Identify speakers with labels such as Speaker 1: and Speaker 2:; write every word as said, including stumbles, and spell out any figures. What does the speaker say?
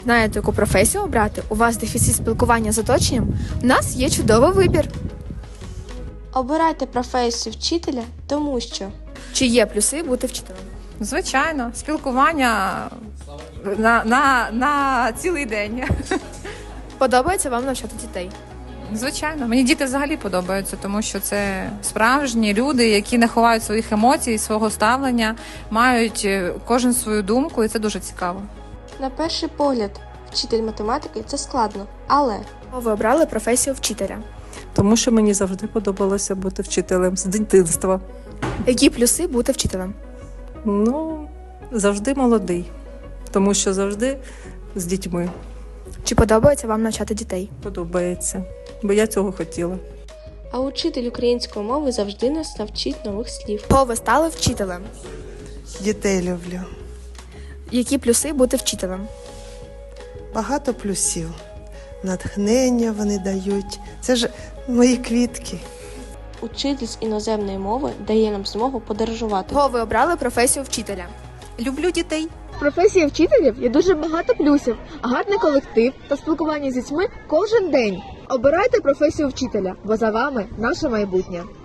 Speaker 1: Знаєте, яку професію обрати? У вас дефіцит спілкування з оточенням? У нас є чудовий вибір.
Speaker 2: Обирайте професію вчителя, тому що
Speaker 1: Чи є плюси бути вчителем?
Speaker 3: Звичайно, спілкування на, на, на цілий день.
Speaker 1: Подобається вам навчати дітей?
Speaker 3: Звичайно, мені діти взагалі подобаються, тому що це справжні люди, які не ховають своїх емоцій, свого ставлення, мають е, кожен свою думку, і це дуже цікаво.
Speaker 2: на перший погляд вчитель математики – це складно, але
Speaker 1: Чому ви обрали професію вчителя?
Speaker 4: Тому що мені завжди подобалося бути вчителем з дитинства.
Speaker 1: Які плюси бути вчителем?
Speaker 4: Ну, завжди молодий, тому що завжди з дітьми
Speaker 1: Чи подобається вам навчати дітей?
Speaker 4: подобається, бо я цього хотіла.
Speaker 2: а учитель української мови завжди нас навчить нових слів.
Speaker 1: Чого ви стали вчителем?
Speaker 5: Дітей люблю.
Speaker 1: Які плюси бути вчителем?
Speaker 5: Багато плюсів. Натхнення вони дають. Це ж мої квітки.
Speaker 2: Учитель з іноземної мови дає нам змогу подорожувати.
Speaker 1: Чого ви обрали професію вчителя?
Speaker 6: Люблю дітей.
Speaker 1: В професії вчителів є дуже багато плюсів, гарний колектив та спілкування з дітьми кожен день. Обирайте професію вчителя, бо за вами наше майбутнє.